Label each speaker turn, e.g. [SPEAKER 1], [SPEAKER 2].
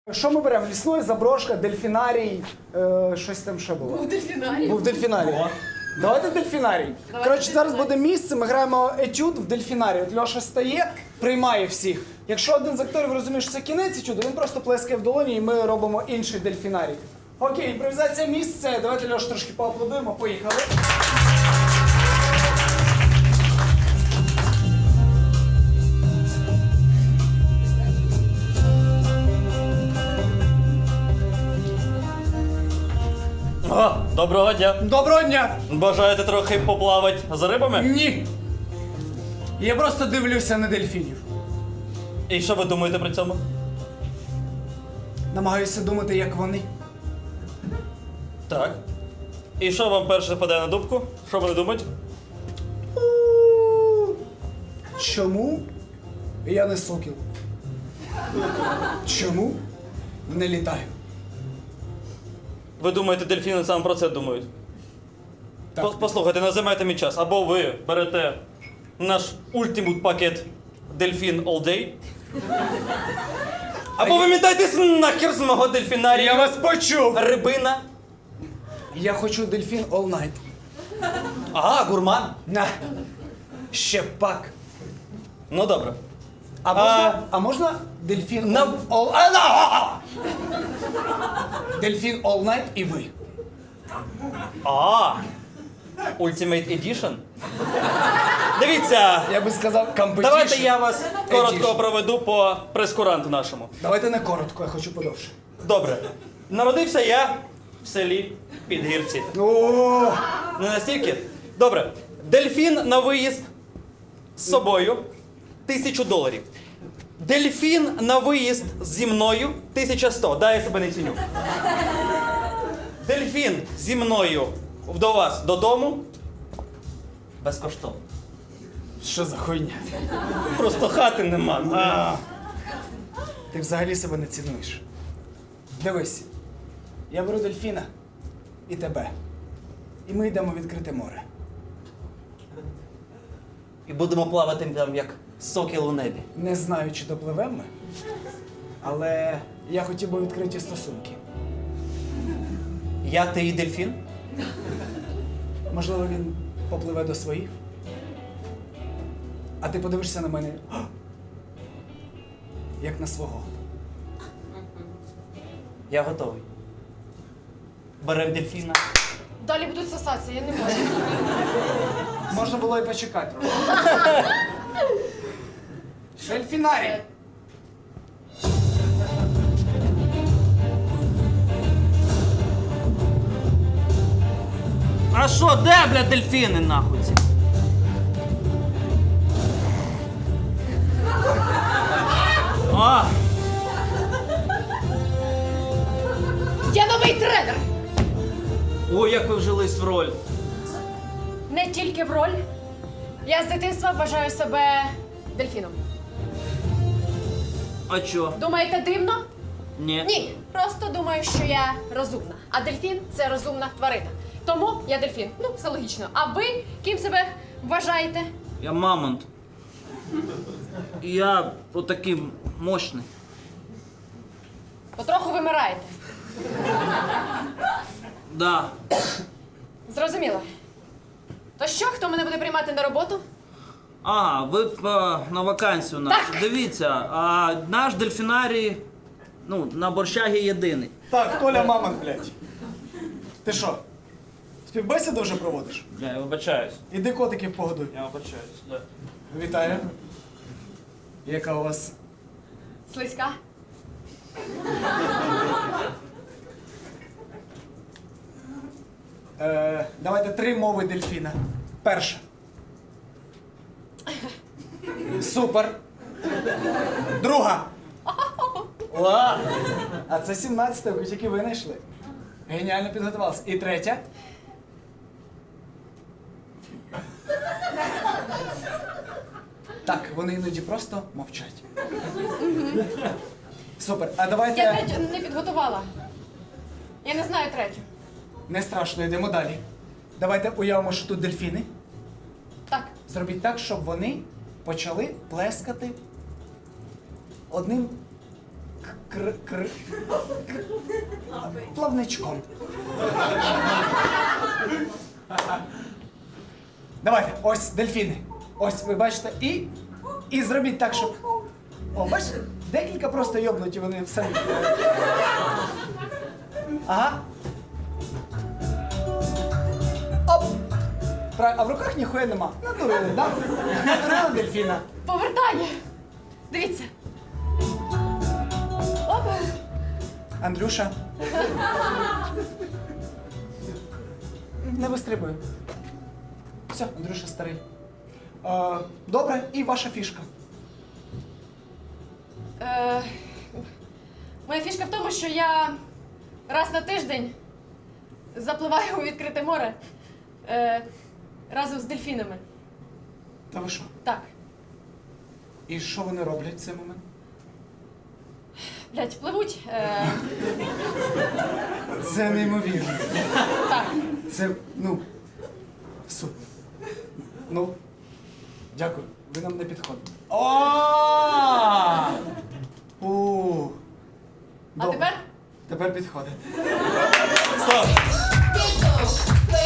[SPEAKER 1] Що ми беремо? Лісної, заброшка, дельфінарій, щось там ще було.
[SPEAKER 2] Був дельфінарій.
[SPEAKER 1] Був дельфінарій. Давайте дельфінарій. Коротше, зараз буде місце, ми граємо етюд в дельфінарі. От Льоша стає, приймає всіх. Якщо один з акторів розуміє, що це кінець етюду, він просто плескає в долоні і ми робимо інший дельфінарій. Окей, імпровізація місце. Давайте Льоша трошки поаплодуємо, поїхали.
[SPEAKER 3] О, доброго дня.
[SPEAKER 1] Доброго дня!
[SPEAKER 3] Бажаєте трохи поплавати за рибами?
[SPEAKER 1] Ні. Я просто дивлюся на дельфінів.
[SPEAKER 3] І що ви думаєте при цьому?
[SPEAKER 1] Намагаюся думати, як вони.
[SPEAKER 3] Так. І що вам перше впаде на дубку? Що вони думають?
[SPEAKER 1] Чому я не сокіл? Чому не літаю?
[SPEAKER 3] Ви думаєте, дельфіни саме про це думають?
[SPEAKER 1] Так.
[SPEAKER 3] Послухайте, не займайте мій час. Або ви берете наш ультимут пакет Дельфін All Day. Або ви мітайтесь нахер з мого дельфінарію.
[SPEAKER 1] Я вас почув!
[SPEAKER 3] Рибина.
[SPEAKER 1] Я хочу дельфін all night.
[SPEAKER 3] Ага, гурман.
[SPEAKER 1] На. Ще пак.
[SPEAKER 3] Ну добре.
[SPEAKER 1] А можна дельфін
[SPEAKER 3] На-
[SPEAKER 1] Дельфін all night і ви.
[SPEAKER 3] Ultimate Edition. Дивіться.
[SPEAKER 1] Я би сказав competition.
[SPEAKER 3] Давайте я вас коротко
[SPEAKER 1] Edition.
[SPEAKER 3] проведу по прескуранту нашому.
[SPEAKER 1] Давайте не коротко, я хочу подовше.
[SPEAKER 3] Добре. Народився я в селі Підгірці.
[SPEAKER 1] О,
[SPEAKER 3] Не настільки? Добре. Дельфін на виїзд з собою $1000. Дельфін на виїзд зі мною 1100. Дай я себе не ціню. Дельфін зі мною до вас додому. Безкоштовно.
[SPEAKER 1] що за хуйня?
[SPEAKER 3] Просто хати нема.
[SPEAKER 1] Ти взагалі себе не цінуєш. Дивись, я беру дельфіна і тебе. І ми йдемо в відкрите море.
[SPEAKER 3] І будемо плавати там, як сокіл у небі.
[SPEAKER 1] Не знаю, чи допливемо ми, але я хотів би відкриті стосунки.
[SPEAKER 3] Я, ти і дельфін?
[SPEAKER 1] Можливо, він попливе до своїх. А ти подивишся на мене, як на свого.
[SPEAKER 3] Я готовий. Берем дельфіна.
[SPEAKER 2] Далі будуть сосатися, я не можу.
[SPEAKER 1] Можна було і почекати. Дельфінарій!
[SPEAKER 3] А що, де, бля, дельфіни, нахуй ці? А,
[SPEAKER 2] Я новий тренер!
[SPEAKER 3] ой, як ви вжились в роль.
[SPEAKER 2] Не тільки в роль. Я з дитинства вважаю себе дельфіном.
[SPEAKER 3] А чо?
[SPEAKER 2] Думаєте, дивно?
[SPEAKER 3] Ні.
[SPEAKER 2] Ні. Просто думаю, що я розумна. А дельфін це розумна тварина. Тому я дельфін. Ну, все логічно. А ви ким себе вважаєте?
[SPEAKER 4] Я мамонт. І я отакий мощний.
[SPEAKER 2] Потроху вимираєте.
[SPEAKER 4] Да.
[SPEAKER 2] Зрозуміло. То що, хто мене буде приймати на роботу?
[SPEAKER 4] Ага, ви на вакансію нашу.
[SPEAKER 2] Так.
[SPEAKER 4] Дивіться, а наш дельфінарій, ну, на Борщагі єдиний.
[SPEAKER 1] Так, Толя Мамонт, блядь. Ти що? Співбесіду вже проводиш?
[SPEAKER 4] Бля, я вибачаюсь.
[SPEAKER 1] Іди котиків погодуй.
[SPEAKER 4] Я вибачаюсь, да.
[SPEAKER 1] Вітаю. Яка у вас?
[SPEAKER 2] Слизька?
[SPEAKER 1] Давайте 3 мови дельфіна. Перша. Супер. Друга. Ла. А це 17-та, яку тільки ви знайшли. Геніально підготувалися. І третя. Так, вони іноді просто мовчать. Супер. А давайте.
[SPEAKER 2] Я третю не підготувала. Я не знаю третю.
[SPEAKER 1] Не страшно, йдемо далі. Давайте уявимо, що тут дельфіни.
[SPEAKER 2] Так.
[SPEAKER 1] Зробіть так, щоб вони почали плескати одним плавничком. Давайте, ось дельфіни. Ось, ви бачите, і зробіть так, щоб. О, бачите? Декілька просто йобнуті, вони все. Ага. Оп! А в руках ніхуя нема. Натурили, да? Натурили дельфіна.
[SPEAKER 2] Повертання. Дивіться. Оп.
[SPEAKER 1] Андрюша. Не вистрибує. Все, Андрюша старий. Добре, і ваша фішка.
[SPEAKER 2] Моя фішка в тому, що я раз на тиждень запливаю у відкрите море разом з дельфінами.
[SPEAKER 1] Та ви що?
[SPEAKER 2] Так.
[SPEAKER 1] І що вони роблять в цей момент?
[SPEAKER 2] Блять, пливуть.
[SPEAKER 1] Це неймовірно.
[SPEAKER 2] Так.
[SPEAKER 1] Це, супер. Дякую, ви нам не підходите.
[SPEAKER 2] А
[SPEAKER 1] Добре.
[SPEAKER 2] тепер?
[SPEAKER 1] Тепер підходите.
[SPEAKER 3] Стоп!